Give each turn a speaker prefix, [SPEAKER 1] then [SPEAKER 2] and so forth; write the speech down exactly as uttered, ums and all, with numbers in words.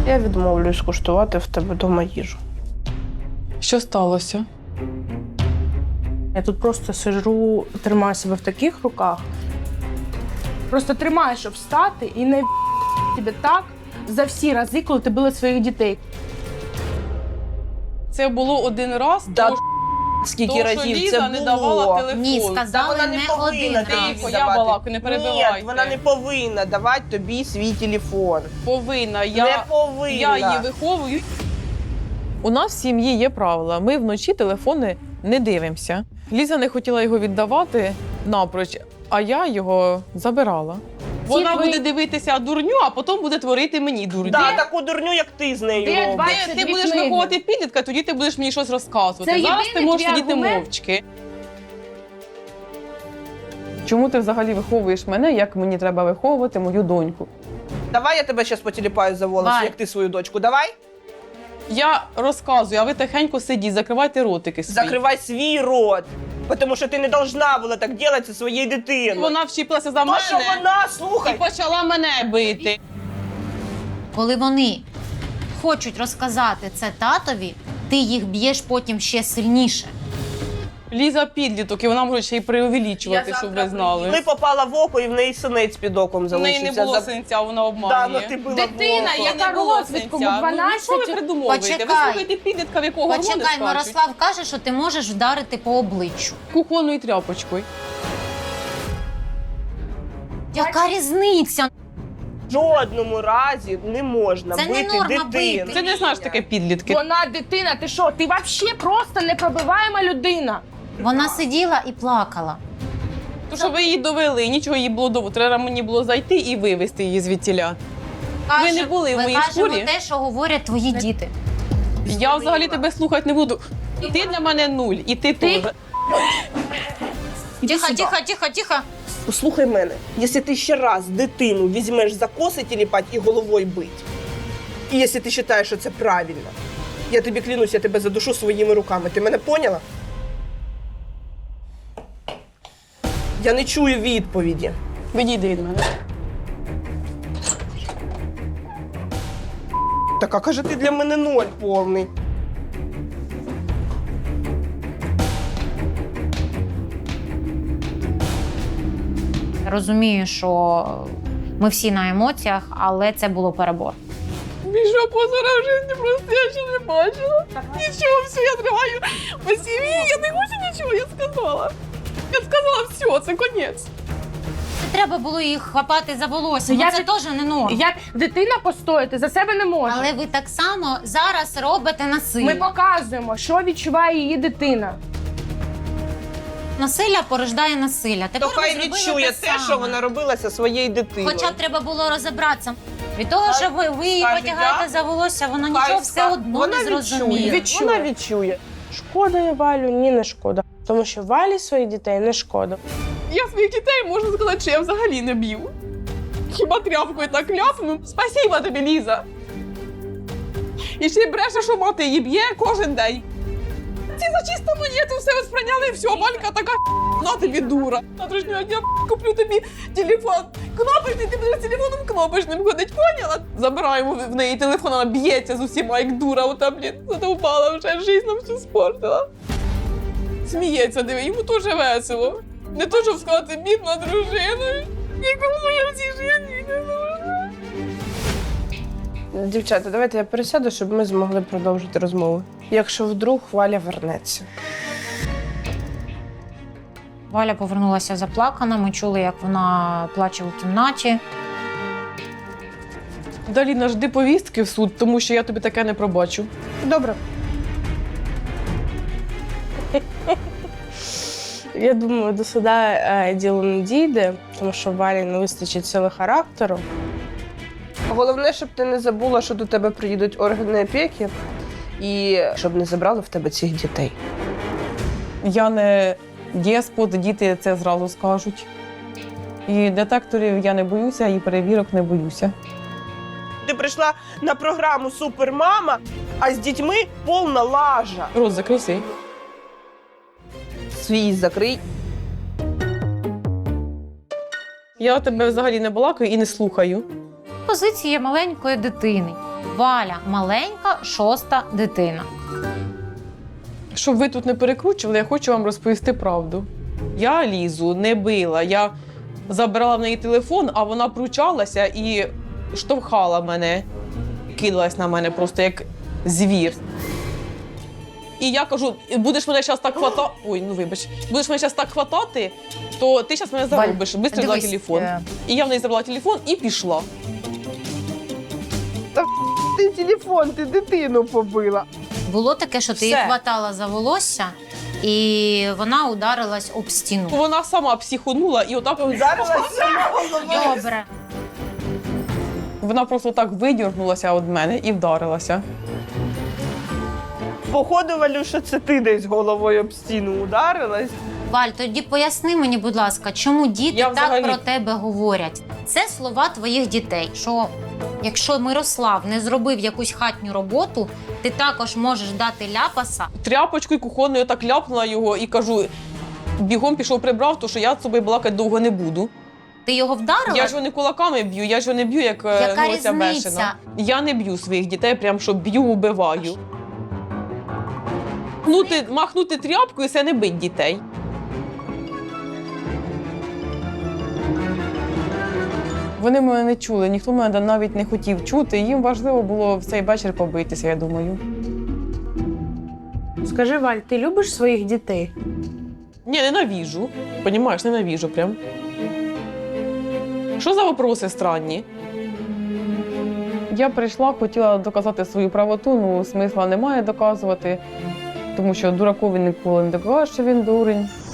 [SPEAKER 1] Я відмовлюсь куштувати в тебе вдома їжу.
[SPEAKER 2] Що сталося?
[SPEAKER 1] Я тут просто сижу, тримаю себе в таких руках. Просто тримаю, щоб встати і не тебе так за всі рази, коли ти била своїх дітей.
[SPEAKER 2] Це було один раз,
[SPEAKER 3] Да,
[SPEAKER 2] тому,
[SPEAKER 3] скільки
[SPEAKER 2] тому що
[SPEAKER 3] разів
[SPEAKER 2] Ліза
[SPEAKER 3] це
[SPEAKER 2] не
[SPEAKER 3] було.
[SPEAKER 2] давала телефон.
[SPEAKER 4] Ні,
[SPEAKER 3] Та
[SPEAKER 4] сказали
[SPEAKER 3] вона не
[SPEAKER 4] не
[SPEAKER 3] повинна
[SPEAKER 4] один
[SPEAKER 3] тобі
[SPEAKER 4] раз.
[SPEAKER 2] Я
[SPEAKER 3] давати.
[SPEAKER 2] балакаю, не перебивайте.
[SPEAKER 3] Ні, вона не повинна давати тобі свій телефон.
[SPEAKER 2] Повинна. Я,
[SPEAKER 3] Не повинна.
[SPEAKER 2] я її виховую.
[SPEAKER 5] У нас в сім'ї є правила. Ми вночі телефони не дивимося. Ліза не хотіла його віддавати напроч, а я його забирала.
[SPEAKER 2] Вона
[SPEAKER 1] ви-
[SPEAKER 2] буде дивитися дурню, а потім буде творити мені дурню.
[SPEAKER 3] Да, таку дурню, як ти з нею
[SPEAKER 1] Де
[SPEAKER 3] робиш.
[SPEAKER 1] двадцять
[SPEAKER 2] Ти
[SPEAKER 1] дві
[SPEAKER 2] будеш
[SPEAKER 1] книги?
[SPEAKER 2] виховувати підлітка, тоді ти будеш мені щось розказувати.
[SPEAKER 1] Це
[SPEAKER 2] Зараз ти
[SPEAKER 1] єдиний
[SPEAKER 2] можеш
[SPEAKER 1] твій
[SPEAKER 2] сидіти
[SPEAKER 1] аргумент?
[SPEAKER 2] мовчки.
[SPEAKER 5] Чому ти взагалі виховуєш мене, як мені треба виховувати мою доньку?
[SPEAKER 3] Давай я тебе зараз потіліпаю за волосся,
[SPEAKER 4] Валь.
[SPEAKER 3] як ти свою дочку. Давай.
[SPEAKER 2] Я розказую, а ви тихенько сидіть, закривайте ротики свої.
[SPEAKER 3] Закривай свій рот. Тому що ти не должна була так робити зі своєю дитиною.
[SPEAKER 2] Вона вчепилася за
[SPEAKER 3] То,
[SPEAKER 2] мене
[SPEAKER 3] що вона,
[SPEAKER 2] і
[SPEAKER 3] слухай,
[SPEAKER 2] почала мене бити.
[SPEAKER 4] Коли вони хочуть розказати це татові, ти їх б'єш потім ще сильніше.
[SPEAKER 2] Ліза підліток, і вона може ще й преувеличувати, щоб ви
[SPEAKER 3] коли
[SPEAKER 2] знали.
[SPEAKER 3] попала в око, і в неї синець під оком
[SPEAKER 2] В
[SPEAKER 3] залишився.
[SPEAKER 2] неї не було
[SPEAKER 3] За-
[SPEAKER 2] синця, вона
[SPEAKER 3] Да,
[SPEAKER 2] обманює.
[SPEAKER 3] ну ти била
[SPEAKER 1] Дитина,
[SPEAKER 3] в око.
[SPEAKER 1] яка
[SPEAKER 2] Не було
[SPEAKER 1] розвідку,
[SPEAKER 2] синця.
[SPEAKER 1] в дванадцять-
[SPEAKER 2] Ну, що ви придумовуєте? Ви
[SPEAKER 4] Почекай.
[SPEAKER 2] слухаєте підлітка, в якого гормони
[SPEAKER 4] Почекай,
[SPEAKER 2] скачуть?
[SPEAKER 4] Мирослав каже, що ти можеш вдарити по обличчю.
[SPEAKER 2] Кухонною тряпочкою.
[SPEAKER 4] Яка різниця?
[SPEAKER 3] В жодному разі не можна
[SPEAKER 4] Це не
[SPEAKER 3] бити
[SPEAKER 4] норма
[SPEAKER 3] дитину.
[SPEAKER 4] бити.
[SPEAKER 2] Це не знаєш таке підлітки.
[SPEAKER 1] Вона дитина, ти що? Ти взагалі просто непробиваєма людина.
[SPEAKER 4] Вона сиділа і плакала.
[SPEAKER 2] Тому що ви її довели, нічого їй було довго. Треба мені було зайти і вивезти її звідтіля. Ви не були в
[SPEAKER 4] Ми
[SPEAKER 2] моїй
[SPEAKER 4] кажемо
[SPEAKER 2] шкурі?
[SPEAKER 4] те, що говорять твої діти.
[SPEAKER 2] Я взагалі тебе слухати не буду. Ти для мене нуль, і ти теж.
[SPEAKER 4] Тихо, тихо, тихо, тихо.
[SPEAKER 3] Послухай мене, якщо ти ще раз дитину візьмеш за коси тіліпать і головою бить, і якщо ти вважаєш, що це правильно, я тобі клянусь, я тебе задушу своїми руками. Ти мене поняла? Я не чую відповіді.
[SPEAKER 2] Відійди від мене.
[SPEAKER 3] Така, каже, ти для мене ноль повний.
[SPEAKER 4] Розумію, що ми всі на емоціях, але це було перебор.
[SPEAKER 2] Більшого позора в житті просто я ще не бачила. Нічого, все, я триваю по сім'ї, я не хочу нічого, я сказала. Я сказала, все, це конець.
[SPEAKER 4] Не треба було їх хапати за волосся,
[SPEAKER 1] Я
[SPEAKER 4] бо це
[SPEAKER 1] від-
[SPEAKER 4] теж не норм.
[SPEAKER 1] Як дитина постояти за себе не може.
[SPEAKER 4] Але ви так само зараз робите насилля.
[SPEAKER 1] Ми показуємо, що відчуває її дитина.
[SPEAKER 4] Насилля порождає насилля.
[SPEAKER 3] То
[SPEAKER 4] Тепер ви
[SPEAKER 3] хай
[SPEAKER 4] зробили
[SPEAKER 3] відчує те,
[SPEAKER 4] саме.
[SPEAKER 3] що вона робила зі своєю дитиною.
[SPEAKER 4] Хоча б треба було розібратися. Від того, що ви, ви її
[SPEAKER 3] скаже
[SPEAKER 4] потягаєте
[SPEAKER 3] дякую,
[SPEAKER 4] за волосся, вона
[SPEAKER 3] Хай
[SPEAKER 4] нічого
[SPEAKER 3] ска-
[SPEAKER 4] все одно
[SPEAKER 3] вона
[SPEAKER 4] не зрозуміє.
[SPEAKER 3] Відчує. Вона відчує.
[SPEAKER 1] Шкода я Валю, ні, не шкода. Тому що Валі своїх дітей не шкода.
[SPEAKER 2] Я своїх дітей можу сказати, що я взагалі не б'ю. Хіба тряпкою так ляпну? Спасіба тобі, Ліза. І ще й бреше, що мати її б'є кожен день. Ці за чисто монету все сприйняли, і все, Валька така на тобі дура. Завтрашнього дня куплю тобі телефон. Кнопочний, ти будеш з телефоном кнопочним ходить, поняла? Забираємо в неї телефон, вона б'ється з усіма, як дура, ота, блін, задовбала вже, жизнь нам всю спортила. Сміється, диви, йому теж весело. Не то, щоб сказати, бідна дружина. Нікому я в цій житті не нужна.
[SPEAKER 1] Дівчата, давайте я пересяду, щоб ми змогли продовжити розмову. Якщо вдруг Валя вернеться.
[SPEAKER 4] Валя повернулася заплакана, ми чули, як вона плаче у кімнаті.
[SPEAKER 2] Далі нажди повістки в суд, тому що я тобі таке не пробачу.
[SPEAKER 1] Добре. Я думаю, до суда е, діло не дійде, тому що Валі не вистачить сили характеру. Головне, щоб ти не забула, що до тебе приїдуть органи опіки, і щоб не забрали в тебе цих дітей.
[SPEAKER 5] Я не деспот, діти це зразу скажуть. І детекторів я не боюся, і перевірок не боюся.
[SPEAKER 3] Ти прийшла на програму «Супермама», а з дітьми повна лажа.
[SPEAKER 2] Рот закрий свій.
[SPEAKER 3] Свій закрий.
[SPEAKER 2] Я тебе взагалі не балакаю і не слухаю.
[SPEAKER 4] Позиція маленької дитини. Валя маленька, шоста дитина.
[SPEAKER 5] Щоб ви тут не перекручували, я хочу вам розповісти правду. Я Лізу не била, я забрала в неї телефон, а вона пручалася і штовхала мене, кидалась на мене просто як звір. І я кажу, будеш мене зараз так хватати, ой, ну вибач, будеш мене зараз так хватати, то ти зараз мене заробиш, швидко взяла телефон.
[SPEAKER 4] е,
[SPEAKER 5] І я в неї забрала телефон і пішла.
[SPEAKER 3] Ти телефон, ти дитину побила.
[SPEAKER 4] Було таке, що ти
[SPEAKER 5] Все.
[SPEAKER 4] її хватала за волосся, і вона ударилась об стіну.
[SPEAKER 5] Вона сама психонула і отак
[SPEAKER 3] Ударилася головою.
[SPEAKER 4] Добре.
[SPEAKER 5] вона просто так видірнулася від мене і вдарилася.
[SPEAKER 3] Походу, Валюша, це ти десь головою об стіну ударилась.
[SPEAKER 4] Валь, тоді поясни мені, будь ласка, чому діти
[SPEAKER 5] Я
[SPEAKER 4] так
[SPEAKER 5] взагалі-
[SPEAKER 4] про тебе говорять? Це слова твоїх дітей, що якщо Мирослав не зробив якусь хатню роботу, ти також можеш дати ляпаса.
[SPEAKER 5] Тряпочкою кухонною так ляпнула його і кажу, бігом пішов прибрав, тому що я з собою балакати довго не буду.
[SPEAKER 4] Ти його вдарила?
[SPEAKER 5] Я ж його не кулаками б'ю, я ж його не б'ю, як е,
[SPEAKER 4] Яка
[SPEAKER 5] ну, оця
[SPEAKER 4] різниця?
[SPEAKER 5] бешена. Я не б'ю своїх дітей, прям що б'ю, убиваю. Махнути, махнути тряпкою – це не бить дітей. Вони мене не чули, ніхто мене навіть не хотів чути. Їм важливо було в цей вечір побитися, я думаю.
[SPEAKER 1] Скажи, Валь, ти любиш своїх дітей?
[SPEAKER 5] Ні, ненавіжу. Понімаєш, ненавіжу прям. Що за вопроси странні? Я прийшла, хотіла доказати свою правоту, ну смисла немає доказувати, тому що дуракові ніколи не докажеш, що він дурень.